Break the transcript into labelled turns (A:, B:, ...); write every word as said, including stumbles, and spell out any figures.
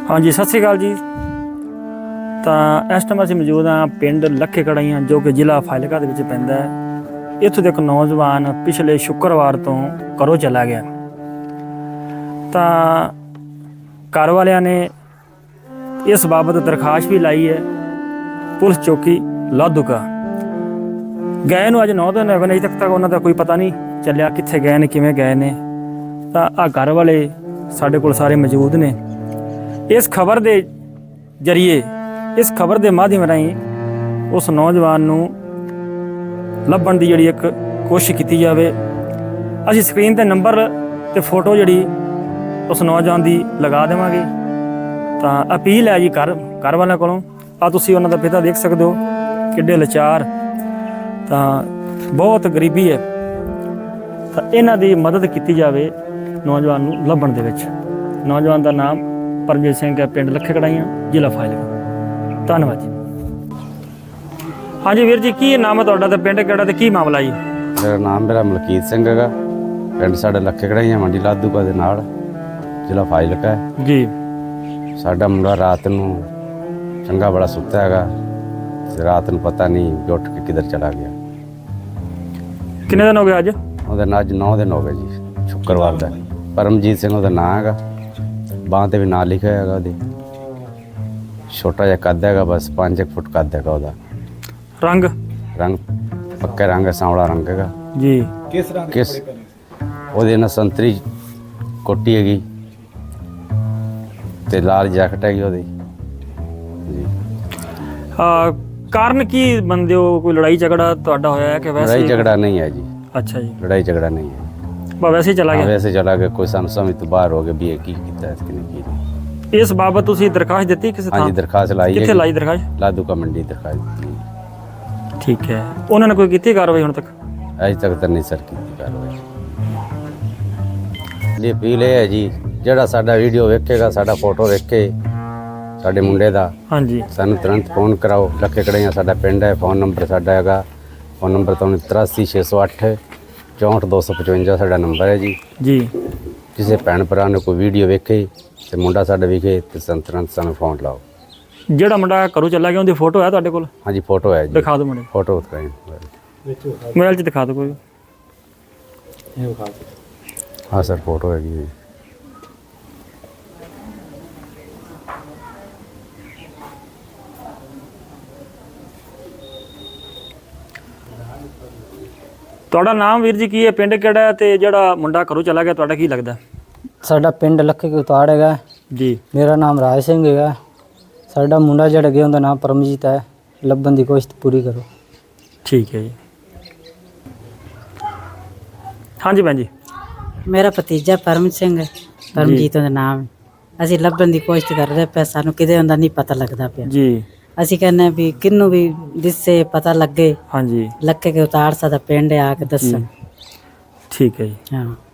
A: हाँ जी, सत श्री अकाल जी। तो इस टाइम असीं मौजूद हाँ पिंड लखे कड़ाइयां जो कि जिला फाजिलका दे विच पैंदा है। इत्थों दे एक नौजवान पिछले शुक्रवार तो घरों चला गया। तो घर वालियां ने इस बाबत दरखास्त भी लाई है पुलिस चौकी लाधूका। गए नूं अज नौ दिन हो गए, अजे तक तक उन्होंने कोई पता नहीं चलिया कित्थे गए ने, किवें गए ने। तो आ घर वाले साडे कोल सारे मौजूद ने। इस खबर के जरिए, इस खबर के माध्यम राहीं उस नौजवान नूं लभण की जिहड़ी एक कोशिश की जाए। असीं स्क्रीन ते नंबर ते फोटो जिहड़ी उस नौजवान की लगा देवांगे। तो अपील है जी घर घर वालों कोलों, आ तुसीं उन्हां दा पिता देख सकते हो किड्डे लाचार, तो बहुत गरीबी है। तो इन्हां दी मदद की जाए नौजवान नूं लभण दे विच। नौजवान का नाम परमजीत सिंह है, पिंड लखे कड़ाइयां, जिला फाजिलका। धन्यवाद जी। हाँ जी वीर जी, की नाम है तुहाडा ते पिंड किहड़ा ते की मामला जी?
B: मेरा नाम मेरा मलकीत सिंह है, पिंड साडा लखे कड़ाइयां मंडी लाधूका दे नाल, जिला फाजिलका है
A: जी।
B: साडा मुंडा रात नूं चंगा बड़ा सुत्ता हैगा, रात नूं पता नहीं भी उठ के किधर चला गया।
A: किन्ने दिन हो गए अज?
B: ਉਹਦਾ ਨਾਂ ਅੱਜ नौ दिन हो गए जी, शुक्रवार ਦਾ। परमजीत सिंह ਉਹਦਾ ਨਾਂ ਹੈਗਾ, ਬਾਂਹ ਤੇ ਵੀ ਨਾਂ ਲਿਖਿਆ ਹੈਗਾ ਉਹਦੇ। ਛੋਟਾ ਜਿਹਾ ਕੱਦ ਹੈਗਾ, ਬਸ ਪੰਜ ਇੱਕ ਫੁੱਟ ਕੱਦ ਹੈਗਾ ਉਹਦਾ।
A: रंग
B: ਰੰਗ ਪੱਕਾ ਰੰਗ ਹੈ, ਸਾਂਵਲਾ ਰੰਗ ਹੈਗਾ
A: जी।
C: किस रंग के
B: किस
C: कपड़े पहने?
B: ਉਹਦੇ ਨਾਲ ਸੰਤਰੀ ਕੋਟੀ ਹੈਗੀ ਤੇ ਲਾਲ ਜੈਕਟ ਹੈਗੀ ਉਹਦੀ ਜੀ।
A: आ, कारण की बनदे हो? कोई लड़ाई झगड़ा तुहाडा होया है कि वैसे?
B: लड़ाई झगड़ा नहीं है जी,
A: अच्छा जी,
B: लड़ाई झगड़ा नहीं है।
A: बस वैसे ही चला
B: हाँ,
A: गया।
B: वैसे चला गया, कोई ਸਾਨੂੰ ਸਮਝ ਤੋਂ ਬਾਹਰ ਹੋ ਗਿਆ ਵੀ ਇਹ ਕੀ ਕੀਤਾ ਹੈ ਕਿ ਨਹੀਂ ਕੀਤਾ।
A: इस बाबत तुसीं दरखास्त दित्ती किसी
B: हाँ जी,
A: थां?
B: दरखास्त लाई
A: कित्थे
B: है
A: लाई दरखास्त?
B: लाधूका मंडी दरखास्त दी।
A: ठीक है, उन्होंने कोई कीती कार्रवाई हुण तक?
B: अज तक तो नहीं सर की कार्रवाई। ये अपील है जी, ਜਿਹੜਾ ਸਾਡਾ ਵੀਡੀਓ ਵੇਖੇਗਾ, ਸਾਡਾ ਫੋਟੋ ਵੇਖੇ ਸਾਡੇ ਮੁੰਡੇ ਦਾ,
A: हाँ जी,
B: ਸਾਨੂੰ ਤੁਰੰਤ ਫੋਨ ਕਰਾਓ। ਲੱਖੇ ਕੜਾਈਆਂ ਸਾਡਾ ਪਿੰਡ ਹੈ, ਫੋਨ ਨੰਬਰ ਸਾਡਾ ਹੈਗਾ, ਫੋਨ ਨੰਬਰ ਤੁਹਾਨੂੰ ਤਰਾਸੀ ਛੇ ਸੌ ਅੱਠ ਚੌਂਹਠ ਦੋ ਸੌ ਪਚਵੰਜਾ ਸਾਡਾ ਨੰਬਰ ਹੈ ਜੀ।
A: जी।
B: ਕਿਸੇ ਭੈਣ ਭਰਾ ਨੂੰ ਕੋਈ ਵੀਡੀਓ ਵੇਖੇ ਤੇ ਮੁੰਡਾ ਸਾਡਾ ਵਿਖੇ ਤੇ ਸਾਨੂੰ ਤੁਰੰਤ ਸਾਨੂੰ ਫੋਨ ਲਾਓ।
A: ਜਿਹੜਾ ਮੁੰਡਾ ਘਰੋਂ ਚਲਾ ਗਿਆ ਉਹਦੀ ਫੋਟੋ ਹੈ ਤੁਹਾਡੇ ਕੋਲ?
B: ਹਾਂਜੀ ਫੋਟੋ ਹੈ ਜੀ,
A: ਦਿਖਾ ਦਿਓ ਮੁੰਡੇ,
B: ਫੋਟੋ ਦਿਖਾਈ
A: ਮੋਬਾਈਲ 'ਚ ਦਿਖਾ ਦਿਓ ਕੋਈ।
B: ਹਾਂ ਸਰ ਫੋਟੋ ਹੈਗੀ ਜੀ।
A: ਤੁਹਾਡਾ ਨਾਮ ਵੀਰ ਜੀ ਕੀ ਹੈ, ਪਿੰਡ ਕਿਹੜਾ ਹੈ ਤੇ ਜਿਹੜਾ ਮੁੰਡਾ ਘਰੋਂ ਚਲਾ ਗਿਆ ਤੁਹਾਡਾ ਕੀ ਲੱਗਦਾ?
D: ਸਾਡਾ ਪਿੰਡ ਲੱਖੇ ਕੁਤਾੜ ਹੈਗਾ
A: ਜੀ।
D: ਮੇਰਾ ਨਾਮ ਰਾਜ ਸਿੰਘ ਹੈਗਾ। ਸਾਡਾ ਮੁੰਡਾ ਜਿਹੜਾ ਗਿਆ ਉਹਦਾ ਨਾਮ ਪਰਮਜੀਤ ਹੈ। ਲੱਭਣ ਦੀ ਕੋਸ਼ਿਸ਼ ਪੂਰੀ ਕਰੋ।
A: ਠੀਕ ਹੈ ਜੀ। ਹਾਂਜੀ ਭੈਣ ਜੀ।
E: ਮੇਰਾ ਭਤੀਜਾ ਪਰਮ ਸਿੰਘ ਹੈ, ਪਰਮਜੀਤ ਦਾ ਨਾਮ। ਅਸੀਂ ਲੱਭਣ ਦੀ ਕੋਸ਼ਿਸ਼ ਕਰਦੇ ਪਏ, ਸਾਨੂੰ ਕਿਤੇ ਹੁੰਦਾ ਨਹੀਂ ਪਤਾ ਲੱਗਦਾ ਪਿਆ
A: ਜੀ।
E: ਅਸੀਂ ਕਹਿੰਦੇ ਵੀ ਕਿੰਨੂੰ ਵੀ ਦਿਸੇ ਪਤਾ ਲੱਗੇ।
A: ਹਾਂਜੀ,
E: ਲੱਖੇ ਕੇ ਉਤਾਰ ਸਾਡਾ ਪਿੰਡ ਆ ਕੇ ਦੱਸਣ।
A: ਠੀਕ ਹੈ ਜੀ।
E: ਹਾਂ।